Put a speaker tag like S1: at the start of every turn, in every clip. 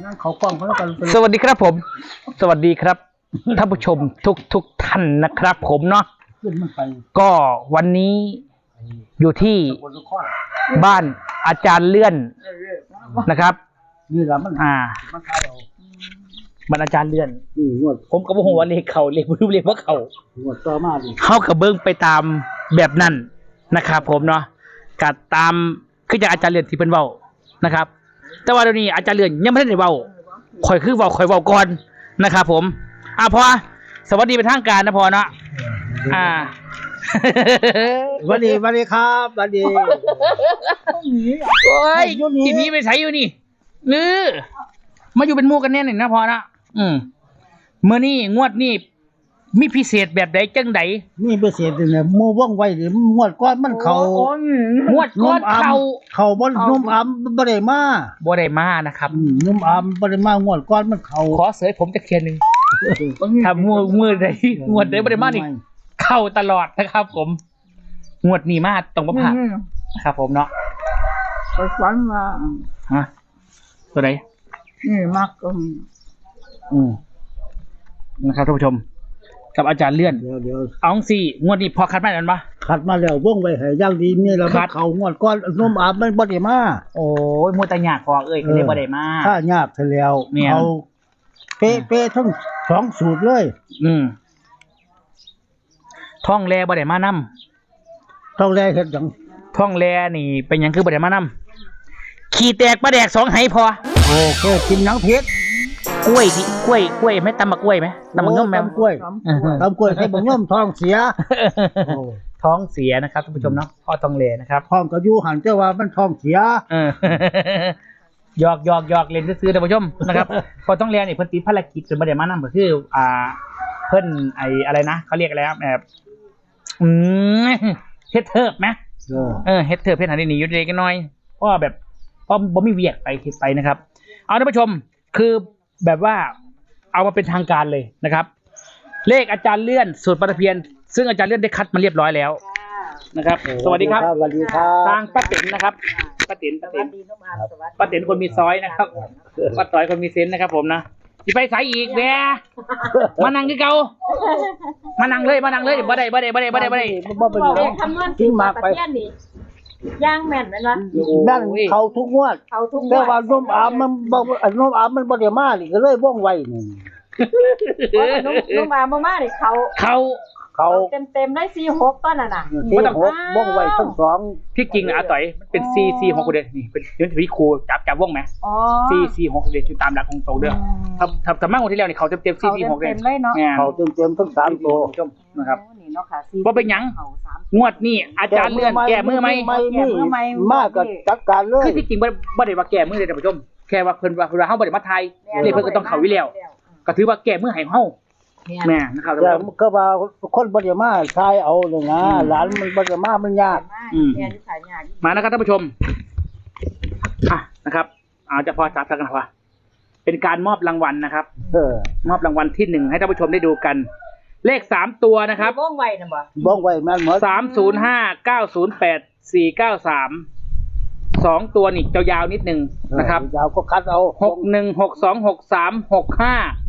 S1: เขากล้องเขาแล้วกัน
S2: สวัสดีครับผม สวัสดีครับท่านผู้ชมทุกท่านนะครับ ผมเนาะก็วันนี้อยู่ที่บ้านอาจารย์เลื่อนนะครับ
S1: นี่แหละมัน
S2: บ้านอาจารย์เลื่อน
S1: นี่งวด
S2: ผมก็บอกว่าเลขเขาเลขรู้เลขว่าเขา
S1: งวดต่อมาดิ
S2: เขากระเบิ้งไปตามแบบนั้นนะครับผมเนาะกัดตามคือจากอาจารย์เลื่อนที่เป็นเว้านะครับแต่ว่าเดี๋ยวนี้อาจารย์เลื่อนยังไม่ได้เว้าข่อยเว้าก่อนนะครับผมพอสวัสดีเป็นทางการนะพอเนาะ
S1: สวัสดีครับสวัสดี
S2: โอ้ยทีนี้ไปใช้อยู่นี่มาอยู่เป็นหมู่กันแน่หนึ่งนะพอนะเมื่อนี่งวดนี่มีพิเศษแบบใดจังใด
S1: นี่พิเศษเนี่ยหมู่ว่องไวหรืองวดก้อนมันเขา
S2: งวดก้อน
S1: เขาบ่นุ่มอ้ำบ่ได้มา
S2: นะครับ
S1: นุ่มอ้ำบ่ได้มางวดก้อนมันเขา
S2: ขอเสยผมจะเคลียร์นึงถ้ามือใดงวดใดบ่ได้มานี่เข้าตลอดนะครับผมงวดนี้มาต้องบ่พลาดนะครับผมเนาะ
S3: ไปฝันมา
S2: ตัวไหน
S3: นี่มักก็
S2: นะครับท่านผู้ชมกับอาจารย์เลื่อน
S1: เดี๋ยว
S2: เอาสิงวดนี้พอคัดมาแล้วมั้ย
S1: คัดมาแล้วว่องไวให้อย่างดีนี่แล้วเขางวดก้อนนุ่มอ้ำมันบ่ได้มา
S2: โอ้ยมัวแต่ยากพอก็เลยบ่ได้มา
S1: ถ้ายากซะแล้วเอาเป๊ะทั้ง2สูตรเลย
S2: ท่องแลบ่ได้มานำ
S1: ท่องแลเฮ็ดหยัง
S2: ท่องแลนี่เป็นหยังคือบ่ได้มานำขี้แตกปลาแดก2ไหพอ
S1: โอ้เคยกินหยังเผ็ด
S2: กล้วยไหมตำบักกล้วยไหมตำบักย่อมแมว
S1: ตำกล้วยให้บักย่อมท้องเสีย
S2: ท้องเสียนะครับท่านผู้ชมเนาะพ่อท่องแลนะครับ
S1: ท้องก็อยู่หันแต่ว่ามันท้องเสีย
S2: หยอกเล่นซื้อท่านผู้ชมนะครับพอท่องแลนี่เพิ่นติดภารกิจจนบ่ได้มานำก็คือเพิ่นอะไรนะเขาเรียกอะไรครับแบบเฮ็ดเทิบไหมเฮ็ดเทิบเฮ็ดหาได้หนีอยู่เด็กน้อยเพราะแบบเพราะบ่มีเวียกไปคิดไปนะครับเอาท่านผู้ชมคือแบบว่าเอามาเป็นทางการเลยนะครับเลขอาจารย์เลื่อนสูตรปลาตะเพียนซึ่งอาจารย์เลื่อนได้คัดมาเรียบร้อยแล้วนะครับสวัสดีครับ
S1: สวัสดีครับ
S2: ทางป้าติ๋นนะครับป้าติ๋นคนมีซอยนะครับป้าต้อยคนมีเซนนะครับผมนะสิไปไสอีกแหมมานั่งคือเก่ามานั่งเลยบ่ได้บ่
S3: คำนวณที่มาไปย่างแม่นมั้ย
S1: นั่นเขาทุกงวดแต่ว่านุ่มอ้ำมันบ่ได้มานี่ก็เลยว่องไวนี่
S3: นุ่มอ้ำบ่มานี่เขาเต็มได้46ต้นน่ะ
S1: 46ว่องไวทั้ง2
S2: ที่จริงนะอาต่อยมันเป็น446เด้นี่เป็นเดี๋ยวพี่ครูจับว่องมั้ยอ๋อ446เด้ตามหลักของโตเด้อถ้ามั่งวันที่แล้วนี่เขาเต็ม446เด้
S1: เขาเต็มทั้ง3ตัว
S2: นะครับบ่เป็นหยังงวดนี้อาจารย์เลื่อนแก้มือไหม
S1: มากก็จัดการเลย
S2: คือที่จริงบ่ได้ว่าแก้มือเลยท่านผู้ชมแค่ว่าเพิ่นว่าเฮาบ่ได้มาไทยเลยเพิ่นก็ต้องเข้าวิแล้วก็ถือว่าแก้มือให้เฮาแม่นะครับ
S1: ก็ว่าคนบ่ได้มาทายเอาเลยนะหลานมันบ่ได้มามันยาก
S2: มานะครับท่านผู้ชมนะครับจะพอจับกันว่าเป็นการมอบรางวัลนะครับมอบรางวัลที่1ให้ท่านผู้ชมได้ดูกันเลข3ตัวนะครับ
S3: ว่องไวนะบ่
S1: ว่องไวแม่นหมด
S2: 305908 493 2ตัวนี่ยาวๆนิดนึงนะครับ
S1: ยาวก็คัดเอา
S2: 61626365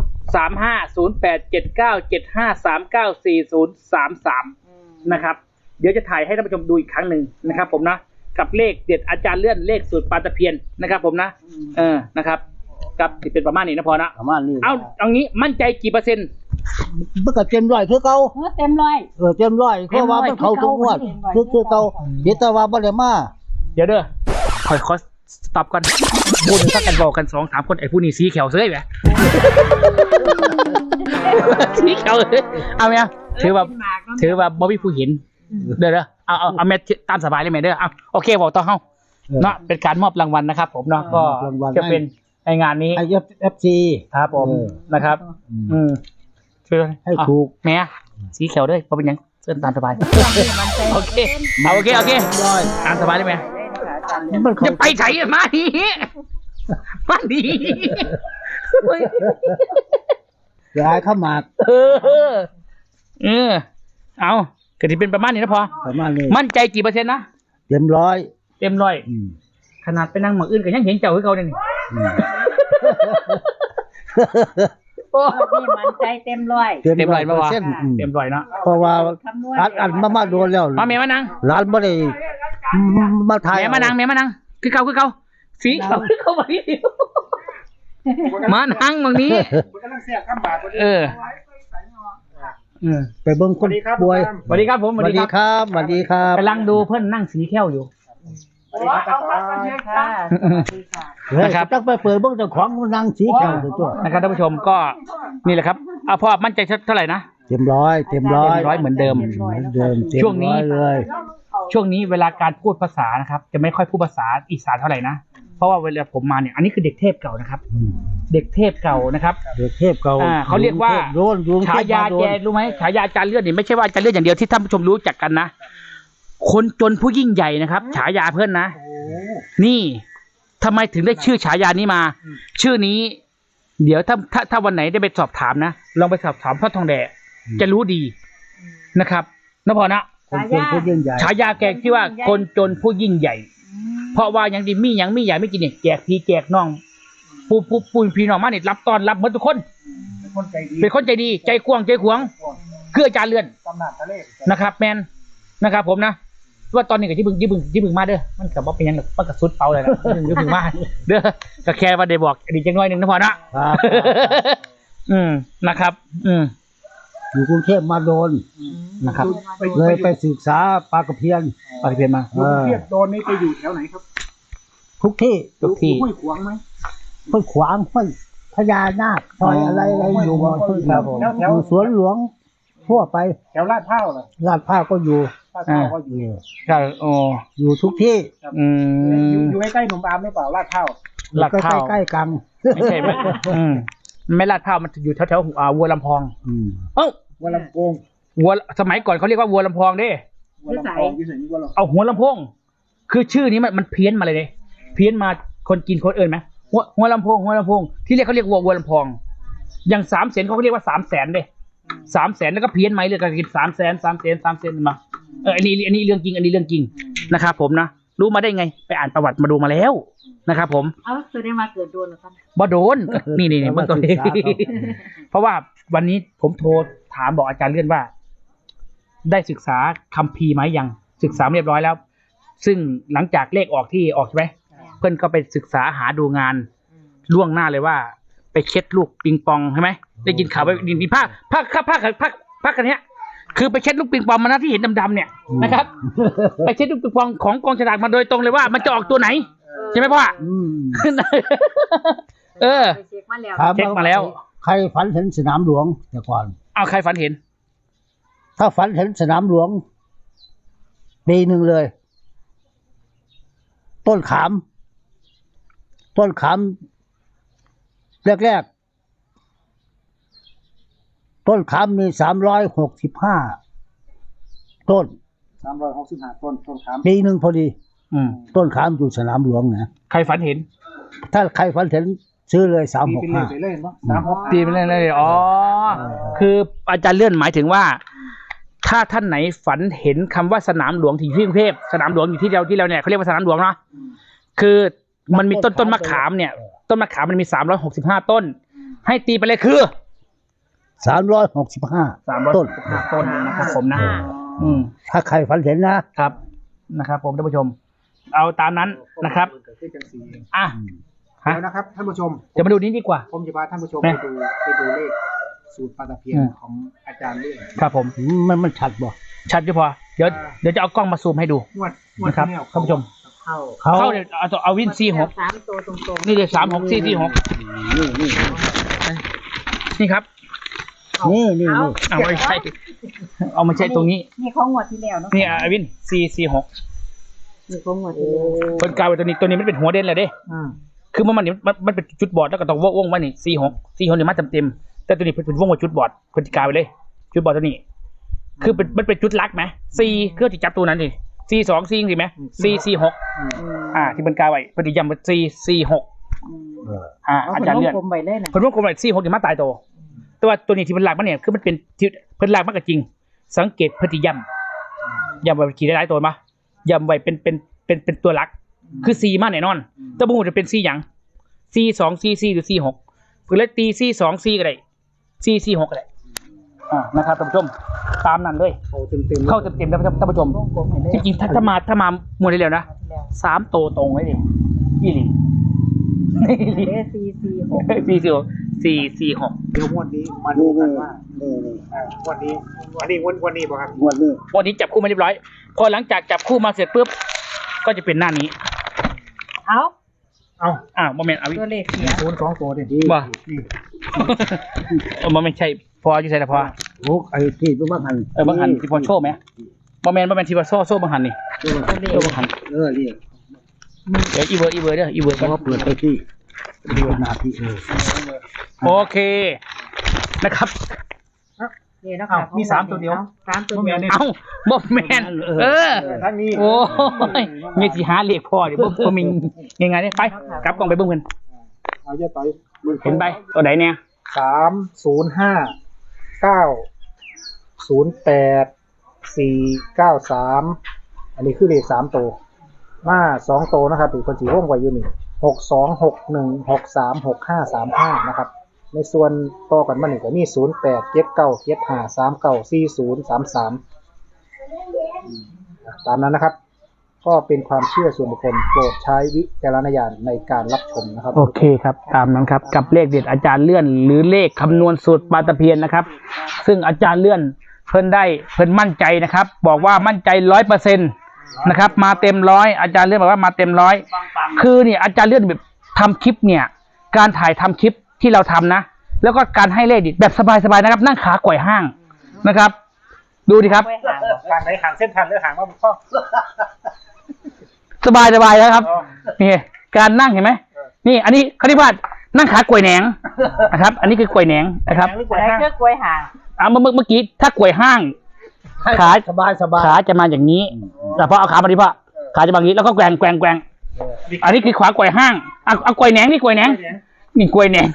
S2: 35087975394033นะครับเดี๋ยวจะถ่ายให้ท่านผู้ชมดูอีกครั้งหนึ่งนะครับผมนะกับเลขเด็ดอาจารย์เลื่อนเลขสูตรปลาตะเพียนนะครับผมนะนะครับกับเป็นประมาณนี้นะพอนะ
S1: ประมาณนี้
S2: เอางี้มั่นใจกี่เปอร์เซ็นต์
S1: มันก็เต็มร้อยคือเก่า
S3: เต็มร้อย
S1: เต็มร้อยเพราะว่ามันเขาทุกงวดคือเก่าแต่ว่าบ่ได้มา
S2: เดี๋ยวเด้อขอสต็อปก่อนพูดสักกันบอกกัน 2-3 คนไอ้ผู้นี้สีเขียวเซ้ยแหมสีเขียวเอาไหมถือว่าบ่มีผู้เห็นเด้อเอาแมทตามสบายเลยแม่เด้อโอเคบอกต่อเฮาเนาะเป็นการมอบรางวัลนะครับผมเนาะก็จะเป็นในงานนี้
S1: IFFC
S2: ครับผมนะครับคือ
S1: ให้ถูก
S2: แม่สีเขียวด้วยเพราะเป็นยังเส้นตามสบายโอเคตามสบายได้ไหมจะไปไหนมาดี
S1: อย่าให้เข้ามา
S2: เอาก็ที่เป็นประมาณนี้นะพอ
S1: ประมาณนี้
S2: มั่นใจกี่เปอร์เซ็นต์นะ
S1: เต็มร้อย
S2: ขนาดไปนั่งหมออื่นก็ยังเห็นเจ้าให้เขาเนี่ย
S3: นี่มันใจเต็มร้อย
S2: เต็มร้อยป่ะวะ
S1: เต็ม
S2: เต็มร้อยเนาะ
S1: เพราะว่าอัดมาโดนแล้ว
S2: มาเมียมานั่ง
S1: ร้านบ่ได้มาถ่าย
S2: เมียมานั่งเมียมานั่งคือเก่าสีเขาเข้ามาดิมานั่งบางนี้เออ
S1: ไปเบิ่งคนป่วย
S2: สวัสดีครับผม
S1: สวัสดีครับสวัสดีครับ
S2: กำลังดูเพื่อนนั่งสีแค้วอยู่
S1: นะครับต้องไปเปิดเบิ่งเจ้าของนางสีแก้วตัว
S2: นะครับท่านผู้ชมก็นี่แหละครับเอาพ่อมั่นใจเท่าไหร่นะ
S1: เต็มร้อย
S2: เหมือนเดิม ช่วงนี้เวลาการพูดภาษานะครับจะไม่ค่อยพูดภาษาอีสานเท่าไหร่นะเพราะว่าเวลาผมมาเนี่ยอันนี้คือเด็กเทพเก่านะครับเด็กเทพเก่านะครับ
S1: เด็กเทพเก่า
S2: เขาเรียกว่าฉายาแกรู้ไหมฉายาอาจารย์เลื่อนนี่ไม่ใช่ว่าอาจารย์เลื่อนอย่างเดียวที่ท่านผู้ชมรู้จักกันนะคนจนผู้ยิ่งใหญ่นะครับฉายาเพื่อนนะนี่ทำไมถึงได้ชื่อฉายานี้มาชื่อนี้เดี๋ยวถ้าวันไหนได้ไปสอบถามนะลองไปสอบถามพ่อทองแดจะรู้ดีนะครับนพนะฉายาแกที่ว่าคนจนผู้ยิ่งใหญ่เพราะว่ายังดีมียังมีใหญ่ไม่กินเนี่ยแจกพี่แจกน้องปูนพี่น้องมาเนี่ยรับตอนรับหมดทุกคนเป็นคนใจดีใจกว้างใจขวางคืออาจารย์เลื่อนนะครับแมนนะครับผมนะว่าตอนนี้กับที่บึงมาเด้อมันกับว่าเป็นยังมันกับสุดเปาเลยนะที่บึงมาเด้อก็แค่ว่าได้บอกดีจังน้อยหนึ่งนะพอนะนะครับ
S1: อยู่กรุงเทพมาโดน
S2: นะครับ
S1: เลยไปศึกษาปลากระเพียน
S2: มาอยู่กรุงเทพ
S4: โดนนี่ไปอยู่แถวไหนครับ
S1: ทุกที่
S4: ห้วยขวางไหม
S1: ห้วยขวางห้วยพญานาคซอยอะไรอยู่บ่ครับผมอยู่สวนหลวงทั่วไป
S4: แถวลาดพร้าวเหรอ
S1: ลาดพร้าวก็อยู่
S4: ก็อยู่
S2: ใช่
S1: อยู่ทุกที่
S4: อยู่ใกล้ๆหนุ่มอามหรือเปล่าลาดพร้าว
S1: ใกล้ๆกัน
S2: ไม่ใช่ไม่ลาดพร้าวมันอยู่แถววัวลำพอง
S4: วัวลำโพง
S2: วัวสมัยก่อนเขาเรียกว่าวัวลำพองดิเอาหัวลำโพงคือชื่อนี้มันเพี้ยนมาเลยเพี้ยนมาคนกินคนอื่นไหมหัวลำโพงที่เรียกเขาเรียกวัวลำพองอย่าง300,000เขาเรียกว่า300,000เลย300,000แล้วก็เพี้ยนไหมเลยก็กิน300,000มาอันนี้เรื่องจริงนะครับผมนะรู้มาได้ไงไปอ่านประวัติมาดูมาแล้วนะครับผม
S3: แสดงมาเกิดโดนหรือครับ
S2: บ่โดนนี่เมื่อก่อนเพราะว่าวันนี้ผมโทรถามบอกอาจารย์เลื่อนว่าได้ศึกษาคัมภีร์ไหมยังศึกษาเรียบร้อยแล้วซึ่งหลังจากเลขออกที่ออกใช่ไหมเพื่อนก็ไปศึกษาหาดูงานล่วงหน้าเลยว่าไปเช็ดลูกปิงปองใช่ไหมได้ยินข่าวไปดินผ้ากันเนี้ยคือไปเช็ดลูกปิงปองมานะที่เห็นดำๆเนี่ยนะครับไปเช็ดลูกปิงปองของกองฉลากมาโดยตรงเลยว่ามันจะออกตัวไหนใช่ไหมพ่อ
S3: เช็คมา
S2: แล้ว
S1: ใครฝันเห็นสนามหลวงแต่ก่อน
S2: ใครฝันเห็น
S1: ถ้าฝันเห็นสนามหลวงปีหนึ่งเลยต้นขามแรกต้นขามมี365ต้น
S4: ต้นขาม
S1: ปีหนึ่งพอดีต้นขามอยู่สนามหลวงนะ
S2: ใครฝันเห็น
S1: ถ้าใครฝันเห็นซื้อเลย365
S2: ตีไปเลยคืออาจารย์เลื่อนหมายถึงว่าถ้าท่านไหนฝันเห็นคำว่าสนามหลวงที่กรุงเทพสนามหลวงอยู่ที่เราเนี่ยเขาเรียกว่าสนามหลวงเนาะคือมันมีต้นมะขามเนี่ยต้นมะขามมันมี365ต้นให้ตีไปเลยคือ
S1: 365ต้น
S2: นะครับผมนะ
S1: ถ้าใครฝันเห็น
S2: นะครับผมท่านผู้ชมเอาตามนั้นนะครับ
S4: แล้วนะครับท่านผู้ชม
S2: จะมาดูนี้ดีกว่า
S4: ผมจะพาท่านผู้ชมไปดูเลขสูตรปลาตะเพียนของอาจารย์เลื่อน
S2: ครับผม
S1: มันชัดบ่
S2: ชัดอยู่พอเดี๋ยวจะเอากล้องมาซูมให้ดูนะครับท่านผู้ชมเข้าเดี๋ยวเอาวิน46
S3: 3ตัวตรงๆ
S2: นี่เดี๋ยว36 446นี่ครับ
S1: นี่
S2: เอาไม่ใช่ตรงนี้
S3: นี่ของงวดที่แล้วเนาะ
S2: นี่วิน446
S3: นี่ของงวดที่แล้ว
S2: คนกลายเป็นตัวนี้มันเป็นหัวเด่นเลยเด้คือมันเป็นจุดบอดแล้วก็ต้องวงว่านี่46นี่มาเต็มแต่ตัวนี้เป็นวงว่าจุดบอดคนกลายไปเลยจุดบอดตัวนี้คือมันเป็นจุดลักไหม4คือที่จับตัวนั้นดิ424จริงไหม446ที่เป็นกลายไว้พอดีย้ำเป็น446อาจารย์เลื่อนคนวงกลมไว้46นี่มาตายตัวแต่ว่าตัวนี้ที่เป็นหลักมันเนี่ยคือมันเป็นที่เป็นหลักมากกว่าจริงสังเกตพฤติย้ำไว้ขี่ได้หลายตัวมาย้ำไว้เป็นตัวหลักคือ4มาแน่นอนแต่บุ้งจะเป็น4อย่าง C2 C4 หรือ C6 เพื่อเลยตี C2 C ก็ได้ C46 ก็ได้นะครับท่านผู้ชมตามนั้นเลยเข้าเต็มๆนะท่านผู้ชมจริงๆถ้ามาหมดได้แล้วนะ3ตัวตรงไว้ดิยี่หลี446
S4: เดี๋ยวงวดนี้มาดูกันว่างวดนี้วันนี้ป่ะครับงวดนี้
S2: จับคู่มาเรียบร้อยพอหลังจากจับคู่มาเสร็จปุ๊บก็จะเป็นหน้านี้โมเมนต์เอา
S3: ตัวเลขเสีย
S4: 2ตัวดิ
S2: บ่มันไม่ใช่พออยู่ใช่แต่พอ
S1: โอ้ไอ้ที่บางหัน
S2: บางหันที่พอโชว์ไหมโมเมนต์ที่พอโชว์บางหันนี่โชว์บางหัน
S1: นี่
S2: เดี๋ยวอีเวอร์เด้ออีเวอร์
S1: ก็เปิดไปที่เดียวนาที
S2: โอเคนะครับ
S3: นี่นะครับ
S4: มี3ตัวเดียว
S3: 3ตัวเดียว
S2: บ่แมน
S4: ทั้งนี้
S2: โอ้ยมีสิหาเลขพอดิบ่มียังไงเนี่ยไปกลับกล้องไปเบิ่งเพิ่น
S4: เอาเยอะต่อย
S2: เห็นไปตัวไหนเนี่ย
S4: 305 908 493อันนี้คือเลข3ตัวมา2ตัวนะครับอีกคนสีร่วมไว้อยู่นี่6261636535นะครับในส่วนต่อกันมาหนึ่งก็มี087975394033ตามนั้นนะครับก็เป็นความเชื่อส่วนบุคคลโปรดใช้วิจารณญาณในการรับชมนะครับ
S2: โอเคครับตามนั้นครับกับเลขเด็ดอาจารย์เลื่อนหรือเลขคำนวณสูตรปลาตะเพียนนะครับซึ่งอาจารย์เลื่อนเพิ่นมั่นใจนะครับบอกว่ามั่นใจ 100%นะครับมาเต็ม100อาจารย์เลื่อนบอกว่ามาเต็ม100คือเนี่ยอาจารย์เลื่อนแบบทำคลิปเนี่ยการถ่ายทำคลิปที่เราทำนะแล้วก็การให้เลขแบบสบายๆนะครับนั่งขาไกว่ห้างนะครับดูดิครับ
S4: ทางไหนหางเส้นทันหรือหางว่าพ่อ
S2: สบายนะครับนี่การนั่งเห็นไหมนี่อันนี้เขาเรียกว่านั่งขาไกว่แหนงนะครับอันนี้คือไกว่แหนงนะครับ
S3: อันนี้คือกล้วยห่าง
S2: เมื่อกี้ถ้าไกว่ห้างขาขาจะมาอย่างนี้แต่พอเอาขามาดิพ่อขาจะมาอย่างนี้แล้วก็แกว่งอันนี้คือขวาไกว่ห้างเอาไกว่แหนงนี่ไกว่แหนงนี่ไกว่แหนง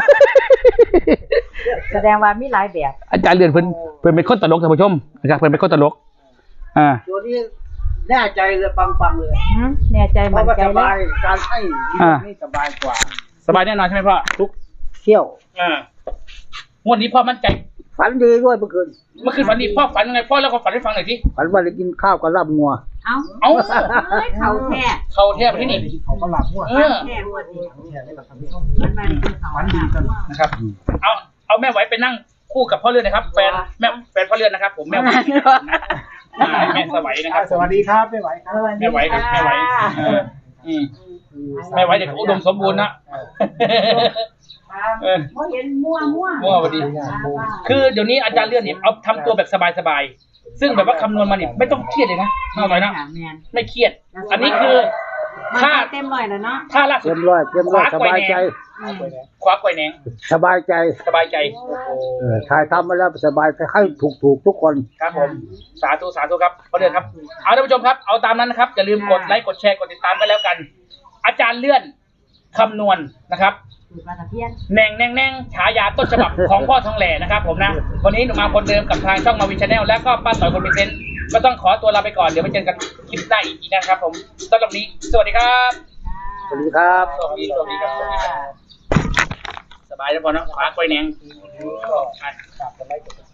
S3: แสดงว่ามีหลายแบบ
S2: อาจารย์เรือนเพิ่นเป็นคนตลกท่านผู้ชมนะครับเพิ่นเป็นคนตลก
S1: ตัวนี้แน่ใจเลยปังเลย
S3: แน่ใจมันใจ
S1: เลยการให้นี่สบายกว่า
S2: สบายแน่นอนใช่ไหมพ่อ
S1: ทุกเที่ยว
S2: งวดนี้พ่อมั่นใจ
S1: ฝันดีด้วยเมื่อคืน
S2: ฝันดีพ่อฝันยังไงพ่อแล้วก็ฝันให้ฟังหน่อยสิ
S1: ฝันว่าได้กินข้าวกับลาบงัว
S3: เอาเขาแท้
S2: ที่นี่
S4: เขาก็ลาบงัว
S3: แท้วันนี้
S4: ฝันดีกัน
S2: นะครับเอาแม่ไหวไปนั่งคู่กับพ่อเรือนนะครับแฟนพ่อเรือนนะครับผมแม่ไหวแม่สวัยนะครับ
S4: สวัสดีครับแม่ไหวครับ
S2: แม่ไหวครับแม่ไหวแม่ไหวเด็กอุดมสมบูรณ์นะ
S3: เห็นมั่ว
S2: พอดีคือเดี๋ยวนี้อาจารย์เลื่อนเนี่ยเอาทำตัวแบบสบายๆซึ่งแบบว่าคำนวณมาเนี่ยไม่ต้องเครียดเลยนะเอาไว้นะไม่เครียดอันนี้คือ
S3: ถ้าเต็มร้อยแล้วเนาะ
S2: ถ้าล่าสุด
S1: เต็มร้อยสบายใจ
S2: ขวาไกว่แหนง
S1: สบายใจถ่ายทำมาแล้วสบายให้ถูกทุกคน
S2: ครับผมสาธุครับพ่อเรือนครับเอาท่านผู้ชมครับเอาตามนั้นนะครับอย่าลืมกดไลค์กดแชร์กดติดตามกันแล้วกันอาจารย์เลื่อนคำนวณนะครับแน่งฉายาต้นฉบับของพ่อทองแหล่นะครับผมนะวันนี้หนูมาคนเดิมกับทางช่องมาวินชาแนลแล้วก็ป้าต่อยคนมีเซนต์ก็ต้องขอตัวลาไปก่อนเดี๋ยวไปเจอกันคลิปหน้าอีกนะครับผมสำหรับนี้สวัสดีครับ
S1: สวัสดีครับ
S2: สวัสดีครับสบายแล้วพอเนาะขวาไกว่แหนง